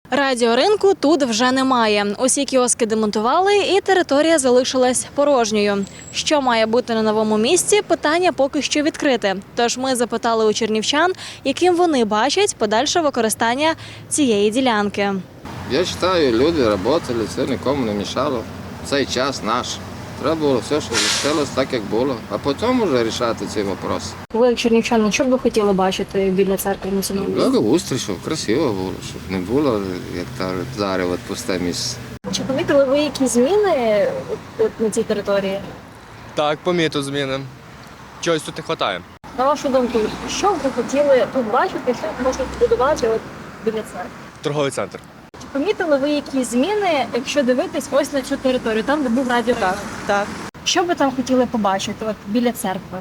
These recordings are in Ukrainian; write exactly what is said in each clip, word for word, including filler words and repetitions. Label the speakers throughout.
Speaker 1: Радіоринку тут вже немає. Усі кіоски демонтували і територія залишилась порожньою. Що має бути на новому місці – питання поки що відкрите. Тож ми запитали у чернівчан, яким вони бачать подальше використання цієї ділянки.
Speaker 2: Я вважаю, люди працювали, це нікому не мішало. Цей час наш. Треба було все, що залишилось так, як було, а потім вже вирішати ці питання.
Speaker 1: Ви, як чернівчани, що б ви хотіли бачити біля церкви на цьому місці?
Speaker 2: Благоустрій, щоб красиво було, щоб не було, як кажуть, зараз от пусте місце.
Speaker 1: Чи помітили ви якісь зміни от на цій території?
Speaker 3: Так, помітив зміни. Чогось тут не вистачає.
Speaker 1: На вашу думку, що б ви хотіли тут бачити, що можна побудувати от біля церкви?
Speaker 3: Торговий центр.
Speaker 1: Чи помітили ви якісь зміни, якщо дивитись ось на цю територію, там, де був радіоринок?
Speaker 4: Так.
Speaker 1: Що б ви там хотіли побачити от біля церкви?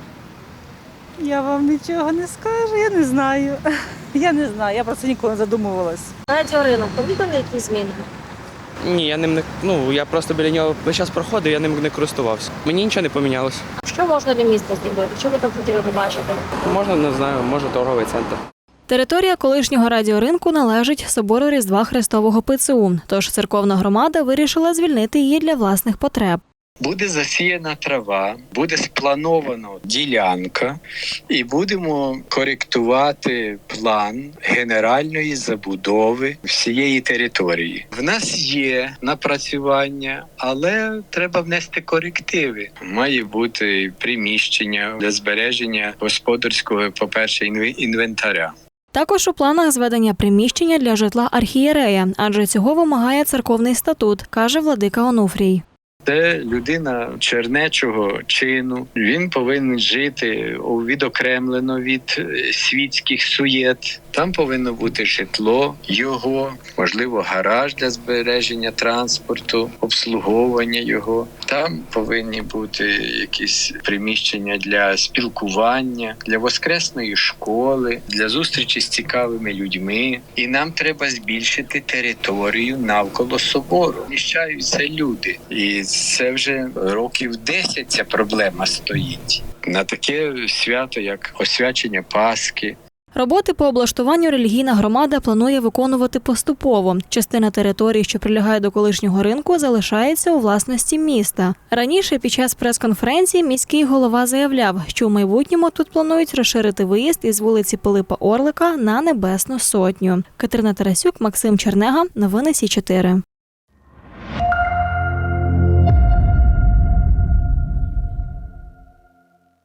Speaker 4: Я вам нічого не скажу, я не знаю. Я не знаю, я про це ніколи не задумувалась.
Speaker 1: Радіоринок, помітили якісь зміни?
Speaker 5: Ні, я ним не ну я просто біля нього весь час проходив, я ним не користувався. Мені нічого не помінялося.
Speaker 1: Що можна для міста зробити? Що ви там хотіли побачити?
Speaker 5: Можна, не знаю, може торговий центр.
Speaker 1: Територія колишнього радіоринку належить собору Різдва Христового ПЦУ, тож церковна громада вирішила звільнити її для власних потреб.
Speaker 6: Буде засіяна трава, буде спланована ділянка і будемо коректувати план генеральної забудови всієї території. В нас є напрацювання, але треба внести корективи. Має бути приміщення для збереження господарського, по-перше, інвентаря.
Speaker 1: Також у планах зведення приміщення для житла архієрея, адже цього вимагає церковний статут, каже владика Онуфрій.
Speaker 6: Це людина чернечого чину. Він повинен жити відокремлено від світських суєт. Там повинно бути житло його, можливо, гараж для збереження транспорту, обслуговування його. Там повинні бути якісь приміщення для спілкування, для воскресної школи, для зустрічі з цікавими людьми. І нам треба збільшити територію навколо собору. Вміщаються люди. І це вже років десять ця проблема стоїть. На таке свято, як освячення Пасхи.
Speaker 1: Роботи по облаштуванню релігійна громада планує виконувати поступово. Частина території, що прилягає до колишнього ринку, залишається у власності міста. Раніше під час прес-конференції міський голова заявляв, що у майбутньому тут планують розширити виїзд із вулиці Пилипа Орлика на Небесну Сотню. Катерина Тарасюк, Максим Чернега. Новини Сі чотири.